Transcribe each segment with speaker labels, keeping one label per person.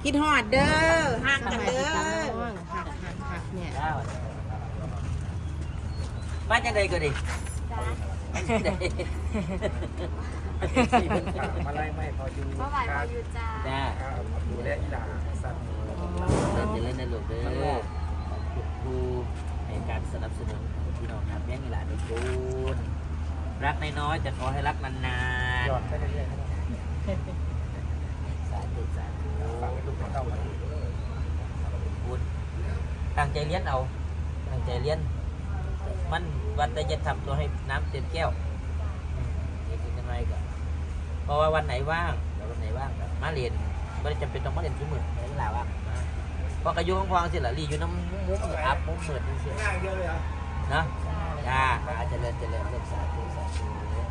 Speaker 1: คิดฮอดเด้อห่างกันเด้อ
Speaker 2: หักเนี่ย
Speaker 3: มาจังใดก็ดี
Speaker 4: มาไล่ไม่พออยู่
Speaker 5: เมื่อวานเราอยู่จ้า
Speaker 3: จ้า
Speaker 4: ดูแลอีหลาสัตว์
Speaker 3: เล่นในลูกเด้อครูในการสนับสนุนพี่น้องครับแย่งอีหลานทุกคนรักน้อยๆแต่ขอให้รักนาน
Speaker 4: หยอดไปเรื่อยๆ
Speaker 3: ๆสาธุสาธุ
Speaker 4: ฝากให้ลูกเข้ามา
Speaker 3: คุณตั้งใจเรียนเอาตั้งใจเรียนมันวันแต่จะทำตัวให้น้ำเต็มแก้วนี่คือยังไงก็เพราะว่าวันไหนว่างแล้ววันไหนว่างก็มาเรียนไม่ได้จำเป็นต้องมาเรียนทุกมื้อในเวลาว่างพอกระยุงพองสิล่ะรีอยู่น้ำมุ้งอัพมุ้งเหมือนเสีย
Speaker 4: ง่ายเดียวเลยอ่ะ
Speaker 3: นะจ้าเจริญเริ่มสาธุสาธุ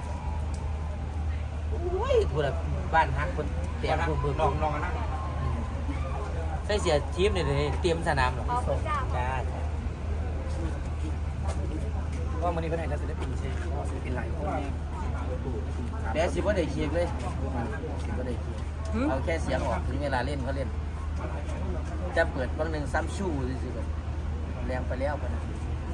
Speaker 3: โอ้ยพูดแบบบ้านฮักคนเตรียมพูด
Speaker 4: ลองกันนะ
Speaker 3: ใส่เสียทีมเลยเตรียมสนามหรอ
Speaker 5: ขอบคุณจ้า
Speaker 3: จ้า
Speaker 4: ก็วันนี้เพื่อนให้ศิลปินเชฟศิลปินหลายคนเนี่ย
Speaker 3: เดี๋ยวสิว่าได้เคียงเลยสิว่าได้เคียงเอาแค่เสียงออกถึงเวลาเล่นเขาเล่นจะเปิดบางหนึ่งซ้ำชู่สิแบบแรงไปแล้วกันนะ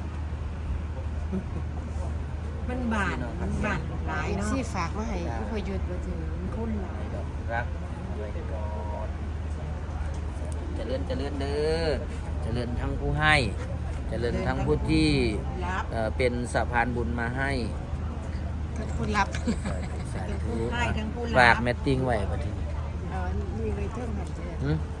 Speaker 1: มันบาดหลายเนาะ
Speaker 2: ซี่ฝากมาให้พอหยุดมาถึงคุณหลาย
Speaker 3: รักด้วยก่อนเจริญเด้อเจริญทั้งผู้ให้เจริญทั้งผู้ที่
Speaker 1: รับ
Speaker 3: เป็นสะพานบุญมาให้
Speaker 2: คุณรับ
Speaker 3: สาธุ
Speaker 1: ให้ทั้งผู้รับ
Speaker 3: ฝากแมตติ้งไว้ปะทีนี้
Speaker 2: มีไว้เท่าหันเจ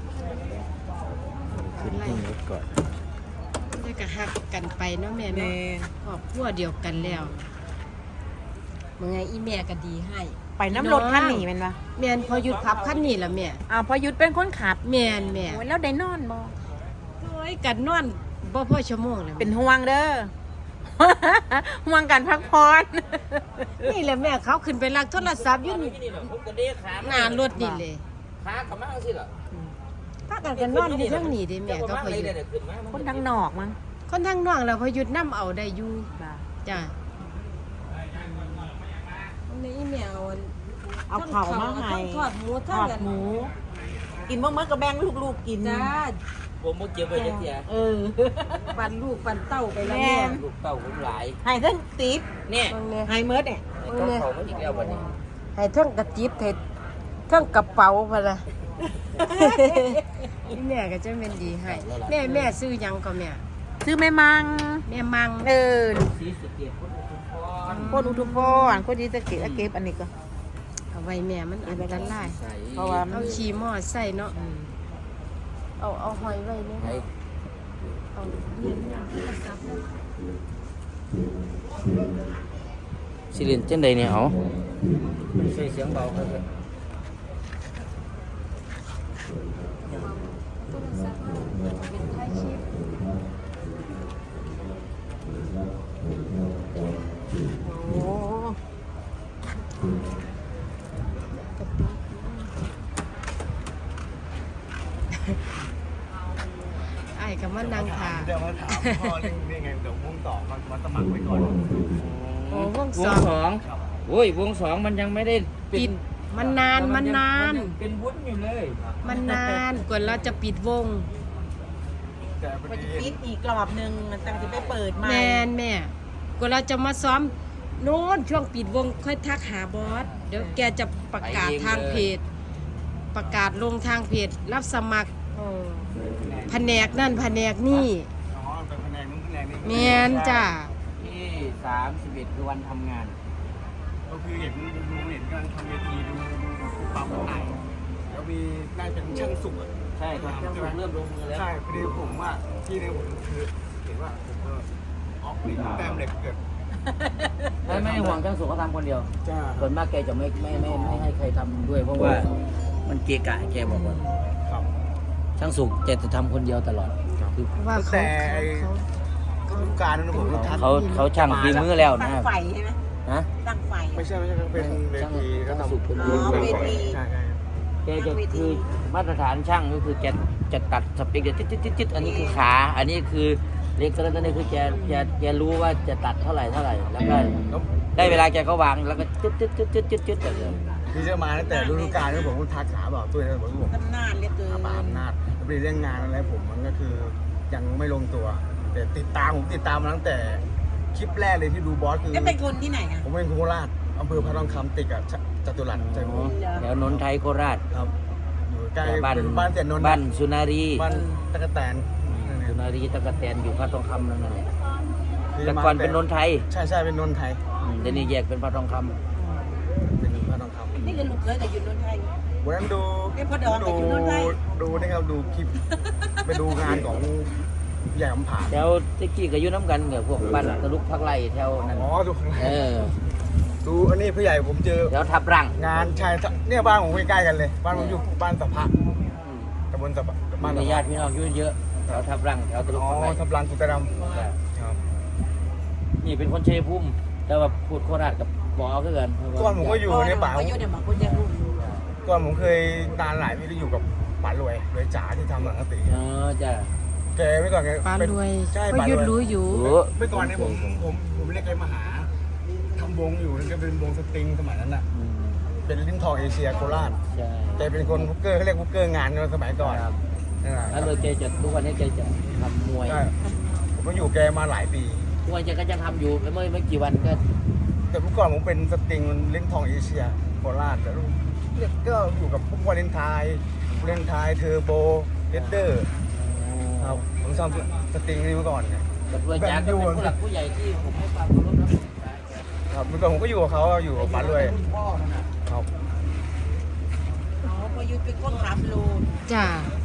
Speaker 3: ขึ้นที่รถก่อน
Speaker 2: จะกะหักกันไปเนาะแม่เนาะครอบครัวเดียวกันแล้วเมื่อไงอีแม่ก็ดีให้
Speaker 1: ไปน้ำรถคันหนีมันปะ
Speaker 2: แม่นพอหยุดขับคันนี้ล่ะแม่
Speaker 1: พอยุดเป็นคนขับ
Speaker 2: แม่นแม่
Speaker 1: โอ้ยแล้วได้นอนบ่
Speaker 2: โอ้ยกันนอนบ่พอชั่วโมงเลย
Speaker 1: เป็นห่วงเด้อ ห่วงกันพักผ่อน
Speaker 2: นี่แหละแม่เขาขึ้นไปลักโทรศัพท์อยู่นี่หน้ารถนี่เลย
Speaker 3: ขากลับมาสิเหรอ
Speaker 2: พากันกันนอนอยู่ทั้งนี้เด้แม่ก็พอหยุด
Speaker 1: คนทางนอกมั้ง
Speaker 2: คนทางน้องแล้วพอหยุดนํเอาได้อยู่จ้ะนี่อีแม่เอา
Speaker 1: เอาเข่ามาให้
Speaker 2: ทอดหมู
Speaker 1: ทอดหมู กินเมื่อกับแบงลูกๆกิน
Speaker 2: จ้า
Speaker 3: ผมบ่เก็บไว้จักเสีย
Speaker 2: ปั่นลูกปั่นเต้าไปแล้ว
Speaker 1: แม่
Speaker 2: แม่
Speaker 3: ลูกเต้าผมหลาย
Speaker 1: ให้ทั้งติ๊บ
Speaker 3: เนี่ย
Speaker 2: เบิ่งแน่
Speaker 1: ให้เมิดเนี่ย
Speaker 3: ต้องเขามาอีกแล้ววันนี้
Speaker 2: ให้เทั้งกระจิบให้เทั้งกระเป๋าพุ่นล่ะ อีแม่ก็จะเป็นดีให้แม่ซื้อหยังก็แม่
Speaker 1: ซื้อแม่มัง
Speaker 2: แม่มัง
Speaker 3: สีสะเกียดคนอุทุมพร
Speaker 1: โคตรอุทุมพรโคตรดีจะเก็บอันนี้ก็
Speaker 2: เอาไว้แม่มันอันตราย
Speaker 3: ใส่
Speaker 1: เพราะว่า
Speaker 2: เอาขี่มอใส่เนาะเอาหอยไว้เนี่ย
Speaker 3: ให้
Speaker 2: เอา
Speaker 3: สิเรียนจังใดเนี่ยเอาใส่เสียงเบาครับ
Speaker 2: เป็นท้ายคลิป
Speaker 1: โอ้
Speaker 2: ไอ้กับมันนางถา
Speaker 4: เดี๋ยวมาถามพ่อนี่ไงเดี๋ยวมุ่งต่อมาสมัครไว้ก่อน
Speaker 2: โอ้วง
Speaker 3: ว
Speaker 2: ส
Speaker 3: ง
Speaker 2: อง
Speaker 3: สองโอ้ยวงสองมันยังไม่ได้
Speaker 2: ปิดมันนาน
Speaker 3: เป็นวุ้นอยู่เลย
Speaker 2: มันนานกว่าเราจะปิดวง
Speaker 4: แต่พอ
Speaker 1: มัน
Speaker 4: ดี
Speaker 1: จะปิดอีกรอบหนึงมันตั้งจะไปเปิดใหม่
Speaker 2: แม่กว่าเราจะมาซ้อมโน้นช่วงปิดวงค่อยทักหาบอสเดี๋ยวแกจะประกาศทางเพจ ประกาศลงทางเพจรับสมัครแผนกนั่นแผนกนี่
Speaker 4: อ๋อเป็นคะแนนนู้นคะแนนนี้
Speaker 2: แมนจ้า
Speaker 3: ที่31คือวันทำงาน
Speaker 4: ก็คือเห็นกำลังทำเวทีดูปั๊มไหนแล้วมีน่าจะเป็นช่างสุกอ่ะ
Speaker 3: ใช่ครับเริ่มลงมือแล้ว
Speaker 4: ใช่พอดีผมว่าที่ในผมคือเห็นว่าผมก็ออกเหล็กแต้มเหล็กเกิด
Speaker 3: ไม่ห่วงช่างสุขเขาทำคนเดียว
Speaker 4: จ้า
Speaker 3: ส่วนมากแกจะไม่ให้ใครทำด้วยเพราะว่ามันเกะกะแกบอกว่า
Speaker 4: ครับ
Speaker 3: ช่างสุขแกจะทำคนเดียวตลอดคือ
Speaker 2: ว่าเขา
Speaker 4: แต่
Speaker 2: เขา
Speaker 4: ฤดูกาลนั้นผมก็ทัก
Speaker 3: เขาช่างฝีมือแล้ว
Speaker 1: ตั้
Speaker 3: นะ
Speaker 1: งไฟใช่ไหม
Speaker 3: ฮะ
Speaker 1: ตั้งไฟ
Speaker 4: ไม่ใช่เป็นเวทีก็ทำ
Speaker 1: เวที
Speaker 4: ใช่
Speaker 3: แกจะคือมาตรฐานช่างก็คือแกจะตัดสเปกเดียวจิ๊ดอันนี้คือขา อันนี้คือเล็กตัวนี้คือแกรู้ว่าจะตัดเท่าไหร่แล้วก็ได้เวลาแกก็วางแล้วก็จึ๊ดแบบเดิม
Speaker 4: พที่จะมาตั้งแต่ฤดูกาลที่ผมทักขาบอกตัวเลยผม
Speaker 1: ตำนานเหลือเกิน
Speaker 4: ป่าอำนาจแล้วไปเรื่องงานอะไรผมมันก็คือยังไม่ลงตัว แต่ติดตามมาตั้งแต่คลิปแรกเลยที่ดูบอสคือ
Speaker 1: ก็เป็นคนที่ไหนอ่ะ
Speaker 4: ผมเป็นโคราชอำเภอพระทองคำติดกับจตุรัสใจผม
Speaker 3: แถวนนทไทยโคราช
Speaker 4: ครับอยู่ใกล้
Speaker 3: บ้าน
Speaker 4: เป็นบ้านเสียนนท์
Speaker 3: บ้านสุนารี
Speaker 4: บ้านตะกะแตน
Speaker 3: สุนารีตะกะแตนอยู่พระทองคำนั่นแหละ
Speaker 4: คือ
Speaker 3: แต่
Speaker 4: มา
Speaker 3: ก่อนเป็นนนทไทย
Speaker 4: ใช่เป็นนนท์ไทย
Speaker 3: เดี๋ยวนี้แยกเป็นพระทองคำ
Speaker 4: เป็นพระทองคำ
Speaker 1: นี่คือลูกเคยกับยุนนนท์ไทย
Speaker 4: วันนั้นดู
Speaker 1: เอ้ยพ่อดองกับอยู่โน่นไง
Speaker 4: ดูนี่ครับดูคลิป ไปดูงานของใหญ่อำผา
Speaker 3: แถวตะกี้ก็อยู่น้ำกันกับพวกบ้านตะลุกพักไร่แถวนั้น
Speaker 4: อ๋อดูข้างใน
Speaker 3: เออ
Speaker 4: ดูอันนี้ผู้ใหญ่ผมเจอ
Speaker 3: แถวทับรัง
Speaker 4: งานชายเนี่ยบ้านผมใกล้ๆกันเลย บ้านผมอยู่บ้านสะพะตำบลสะพะบ้าน
Speaker 3: มี
Speaker 4: สะ
Speaker 3: ญา
Speaker 4: พะ
Speaker 3: ติพี่น้องอยู่เยอะแถวทับรังแถวตะลุก
Speaker 4: อ๋อ
Speaker 3: พักไร่
Speaker 4: ทับลังกุตรดำครับ
Speaker 3: นี่เป็นคนชัยภูมิแต่ว่าพูดโคราชกับหมอคือกัน
Speaker 4: ก่อนผมก็อยู่ในป่า
Speaker 1: ก็อยู่ในป่าคนจะรู้
Speaker 4: ก่อนผมเคยนานหลายปีที่อยู่กับป๋ารวยจ๋าที่ทำหนังกติ
Speaker 3: อ๋อจ้ะ
Speaker 4: แกเมื่อก่อนแก
Speaker 2: ปลา
Speaker 4: เป็น
Speaker 2: รวย
Speaker 4: ใช่
Speaker 2: พ
Speaker 4: ป๋าร
Speaker 2: ยุท
Speaker 4: ว
Speaker 2: ธ์
Speaker 4: ย
Speaker 2: รู้อยู่
Speaker 3: รู้
Speaker 4: เมื่อก่อนเนี่ยผมเรียกแกมาหาทำวงอยู่นั่นก็เป็นวงสตริงสมัยนั้นน่ะ
Speaker 3: อืม
Speaker 4: เป็นลิ้นทองเอเชียโคราช
Speaker 3: ใช่
Speaker 4: แกเป็นคนฮุกเกอร์เขาเรียกฮุกเกอร์งานในสมัยก่อน
Speaker 3: ครับ
Speaker 4: นั่นแหละ
Speaker 3: แล้วเลยแกจะทุกวันนี้แกจะทำมวย
Speaker 4: ใช่ผมก็อยู่แกมาหลายปี
Speaker 3: ทุกวันแกก็ยังทำอยู่ไม่กี่วันก็
Speaker 4: แต่เมื่อก่อนผมเป็นสตริงลิ้นทองเอเชียโคราชแต่เนี่ยก็อยู่กับพวกวาเลนไทน์เทอร์โบเฮดเดอร์ครับผมทำสตริงนี่เมื่อก่อนเนี่ย
Speaker 3: กับด้วยจากก็เป็นผู้หลักผู้ใหญ่ที่ผมให้ความเคารพนะครับ
Speaker 4: เมื่อก่อนผมก็อยู่กับเขาอยู่กับป๋ารวยครับ
Speaker 1: อ๋อพอยุทธเป็นคนขับโล
Speaker 2: จ้า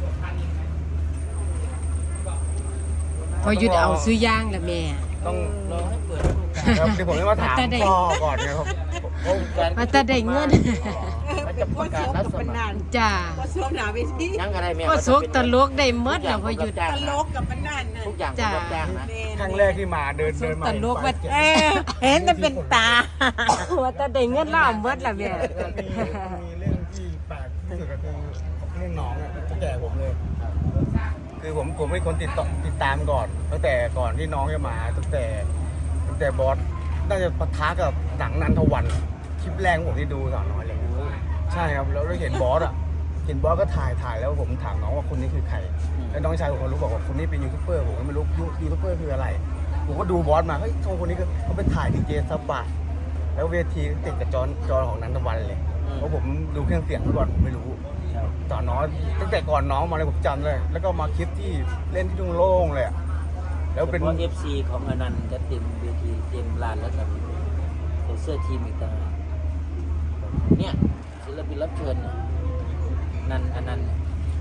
Speaker 2: พอหยุดเอาซื้อย่างละแม่
Speaker 4: ต้อง
Speaker 3: รอให้เปิด
Speaker 4: ครับที่ผมจะมาถามพ่อก่อนนะครับผม
Speaker 2: มาแต่ได้เงิน
Speaker 3: มันจะประกาศรับสมัคร
Speaker 2: จ้า
Speaker 1: ก็สวมหนาเวที
Speaker 3: ยังอะไรแม่
Speaker 2: ก็โศกตลกได้หมดแล้วพอหยุด
Speaker 1: ตลกกับมันนั่นน่ะ
Speaker 3: ทุกอย่าง
Speaker 2: จ้ะ
Speaker 3: รับจ้างนะ
Speaker 4: ครั้งแรกที่มาเดินมา
Speaker 2: ตลกว่า
Speaker 1: เออเห็นแต่เป็นตา
Speaker 2: ว่าแต่ได้เงินแล้วเอาหมดละแม่
Speaker 4: มีเรื่องที่แปลกที่สุดก็คือเรื่องน้องอ่ะจะแก่ผมเลย คือผมเป็นคนติดตามก่อนตั้งแต่ก่อนที่น้องจะมาตั้งแต่บอสน่าจะปะทะกับหนังนันทวันคลิปแรกของผมที่ดูสาวน้อยเลยใช่ครับแล้วเห็นบอสก็ถ่ายแล้วผมถามน้องว่าคนนี้คือใครแล้วน้องชายผมก็รู้บอกว่าคนนี้เป็นยูทูบเบอร์ผมก็ไม่รู้ยูทูบเบอร์คืออะไรผมก็ดูบอสมาเฮ้ยคนนี้เขาเป็นถ่ายดีเจซับบะแล้วเวทีติดกับจอของนันทวันเลยเพราะผมดูเครื่องเสียงก่อนผมไม่รู้ตอนน้อยตั้งแต่ก่อนน้องมาเลยผมจำเลยแล้วก็มาคลิปที่เล่นที่ทุ่งโล่งเลยแล้วเป็น
Speaker 3: เพราะ FC ของอนันต์จะเต็มเวทีเต็มลานแล้วกับเสื้อทีมอีกต่างหากเนี่ยศิลปินรับเชิญเนี่ยนันอนันต์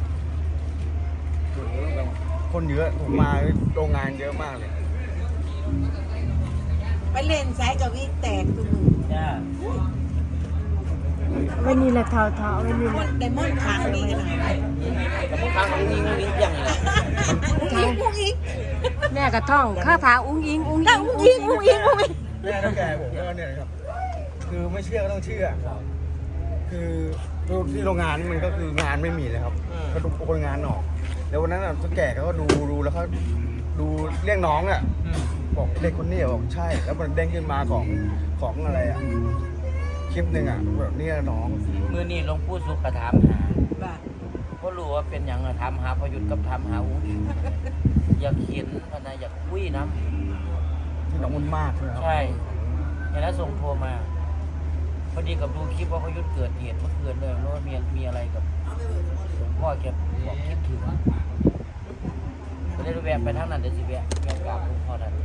Speaker 3: คนเยอะไป
Speaker 4: คนเยอะผมมาโรงงานเยอะมากเลย
Speaker 1: ไปเล่นไซส์กับวิ่งแตกตัวมึง
Speaker 3: จ้า
Speaker 2: วันนี้ละเท้าวันนี้
Speaker 1: มันไดมอนด์ขังนี่กันนะ
Speaker 3: แต่บางครั้งมันมีวิ่งอย่างนี้
Speaker 1: อุ้งอิง
Speaker 2: แม่กระท่องข้าถาอุ้งอิงอุ้ง
Speaker 1: แล้วอุ้งอิง
Speaker 4: แม่ต้องแก่ผมก็เนี่ยนะครับคือไม่เชื่อก็ต้องเชื่อคือที่โรงงานนี่มันก็คืองานไม่มีเลยครับก็ดูคนงานออกแล้ววันนั้นต้องแก่เขาก็ดูแล้วเขาดูเรียกน้องอ่ะบอกเด็กคนนี้บอกใช่ แล้วมันเด้งขึ้นมาของอะไรอ่ะคลิปหนึ่งอ่ะแบบนี้น้อง
Speaker 3: มือนี่หลวงปู่สุขถามหา
Speaker 1: บ้า
Speaker 3: ก็รู้ว่าเป็นอย่างถามหาประยุทธ์กับถามหาอุ้งอิงอยากเขียนพนะอยากคุยนะ
Speaker 4: ที่น้องมันมากนะครับ
Speaker 3: ใช่อย่างนั้นส่งโทรมาพอดีกับดูคลิปว่าประยุทธ์เกิดเหตุเมื่อคืนเลยแล้วว่ามีอะไรกับหลวงพ่อแกบอกคิดถึงก็เลยแวะไปทางนั้นเดี๋ยวสิแวะกราบหลวงพ่อนั้น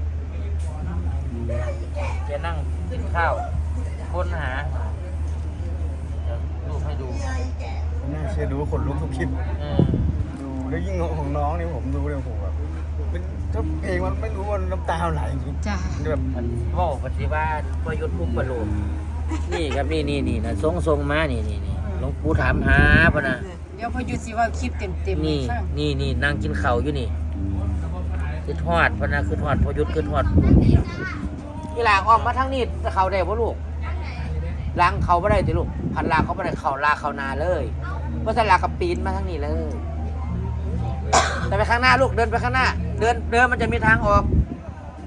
Speaker 3: แกนั่งกินข้าวค้นหาเดี๋ยวรูปให้ดู
Speaker 4: น่าเชื่อดูคนลุกทุกคลิป ดูแล้วยิ่งของน้องนี่ผมดูเลยผมแบบเป็นถ้าเพลงมันไม่รู้ว่าน้ำตาไหลจริง
Speaker 2: จ้า
Speaker 4: แบบ
Speaker 3: มันพ่อปฏิวัติประยุทธ์อุปโลกนี่ครับนี่นะทรงมานี่หลวงปู่ถามหาปะนะ
Speaker 2: เดี๋ยวพอหยุดสิว่าคลิปเต็มๆให้
Speaker 3: นี่
Speaker 2: ฟัง
Speaker 3: นี่นั่งกินข้าวอยู่นี่คือทอดพะนะคือทอดพอยุทธ์คือทอดที่หลางออกมาทั้งนี้จะเขาได้ปะลูกล้างเขาไม่ได้ติลูกพันลาเขาไม่ได้เขาลาเขานาเลยเพราะฉะนั้นลากับปีนมาทั้งนี้เลย แต่ไปข้างหน้าลูกเดินไปข้างหน้า เดินมันจะมีทางออก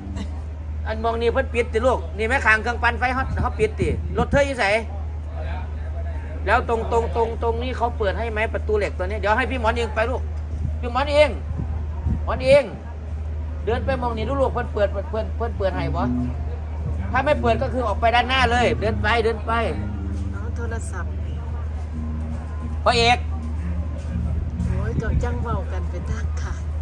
Speaker 3: อันมองนี่เพิ่นปิดติลูกนี่แม่ขางเครื่องปั่นไฟเขาปิดติรถเธออยู่ไสแล้วตรงนี้เขาเปิดให้ไหมประตูเหล็กตัวนี้เดี๋ยวให้พี่หมอนเองไปลูกพี่หมอนเองหมอนเองเดินไปมองนี่ลูกเพิ่นเปิดให้บ่ถ้าไม่เปิดก็คือออกไปด้านหน้าเลย เดินไป
Speaker 2: เอาโทรศัพท์
Speaker 3: พ่อเอก
Speaker 2: โอ้ยก็จังเว้ากันเป็นทางขาด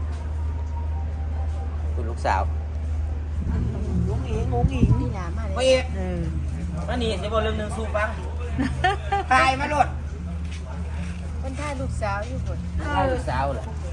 Speaker 3: คุณลูกสาวงงอิง
Speaker 2: นี่ล่ะมา
Speaker 3: พ่อ
Speaker 2: เลย
Speaker 3: เอกมานี่จะบอกเรื่องหนึ่งสู้ฟังตายมาโลด
Speaker 2: เพิ่นถ่ายลูกสาวอยู่พุ่น
Speaker 3: ตายลูกสาวเหรอ
Speaker 2: เ